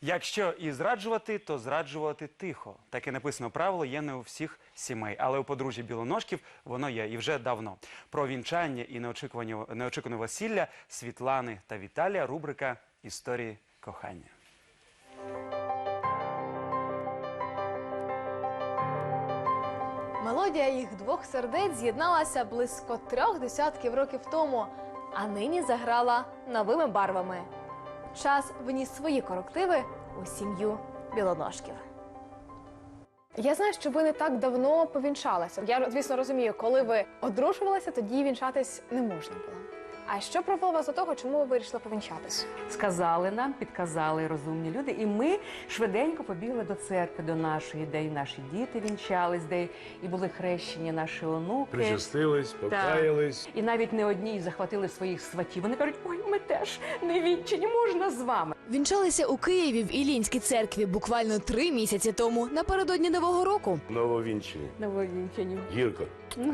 Якщо і зраджувати, то зраджувати тихо. Таке написано правило є не у всіх сімей, але у подружжя Білоножків воно є і вже давно. Про вінчання і неочікуване весілля Світлани та Віталія рубрика «Історії кохання». Мелодія їх двох сердець з'єдналася близько 3 десятків років тому, а нині заграла новими барвами. Час вніс свої корективи у сім'ю Білоножків. Я знаю, що ви не так давно повінчалися. Я, звісно, розумію, коли ви одружувалися, тоді вінчатись не можна було. А що привело вас до того, чому ви вирішили повінчатись? Сказали нам, підказали розумні люди, і ми швиденько побігли до церкви, до нашої, де і наші діти вінчались, де і були хрещені наші онуки. Причастились, покаялись. І навіть не одні захватили своїх сватів. Вони кажуть, ой, ми теж не вінчані, можна з вами. Вінчалися у Києві в Іллінській церкві буквально 3 місяці тому, напередодні Нового року. Нововінчені. Нововінчані. Гірко.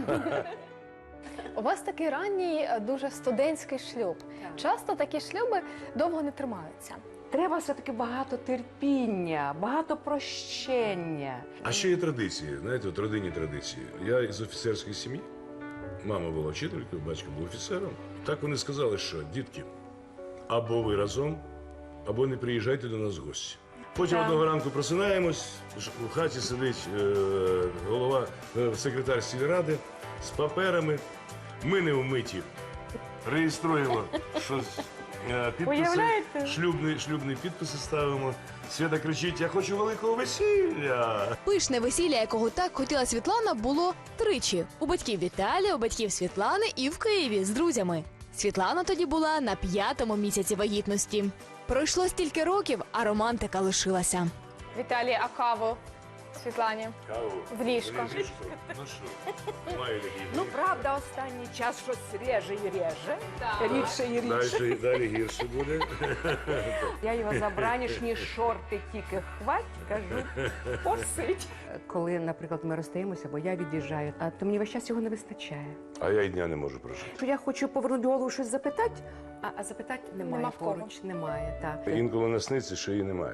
У вас такий ранній, дуже студентський шлюб. Часто такі шлюби довго не тримаються. Треба все-таки багато терпіння, багато прощення. А ще є традиції, знаєте, от родинні традиції. Я із офіцерської сім'ї, мама була вчителькою, батько був офіцером. Так вони сказали, що, дітки, або ви разом, або не приїжджайте до нас в гості. Потім одного ранку просинаємось, у хаті сидить голова, секретар сільради з паперами. Ми не вмиті. Реєструємо щось, підписи, шлюбні підписи ставимо. Свята кричить, я хочу великого весілля. Пишне весілля, якого так хотіла Світлана, було 3 – у батьків Віталія, у батьків Світлани і в Києві з друзями. Світлана тоді була на 5-му місяці вагітності. Пройшло стільки років, а романтика лишилася. Віталій, а каву Світлані? Каву. В ліжко. Ну що, маю такі. Ну, правда, останній час щось реже і реже, рідше і рідше. Далі гірше буде. Я його за бранішні шорти тільки хвать, кажу, посидь. Коли, наприклад, ми розстаємося, бо я від'їжджаю, то мені весь час його не вистачає. А я й дня не можу прожити. Що я хочу повернути голову щось запитати, а запитати немає Нема в кого. поруч, немає, так. Інколи насниться, що її немає.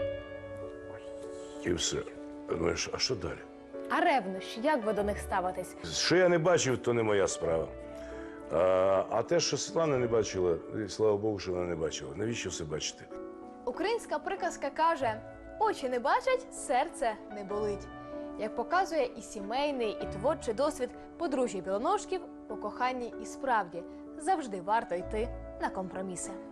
І все. Думаєш, а що далі? А ревнощі, як ви до них ставитесь? Що я не бачив, то не моя справа. А те, що Світлана не бачила, і слава Богу, що вона не бачила. Навіщо все бачити? Українська приказка каже: очі не бачать, серце не болить. Як показує і сімейний, і творчий досвід подружжя Білоножків, у коханні і справді завжди варто йти на компроміси.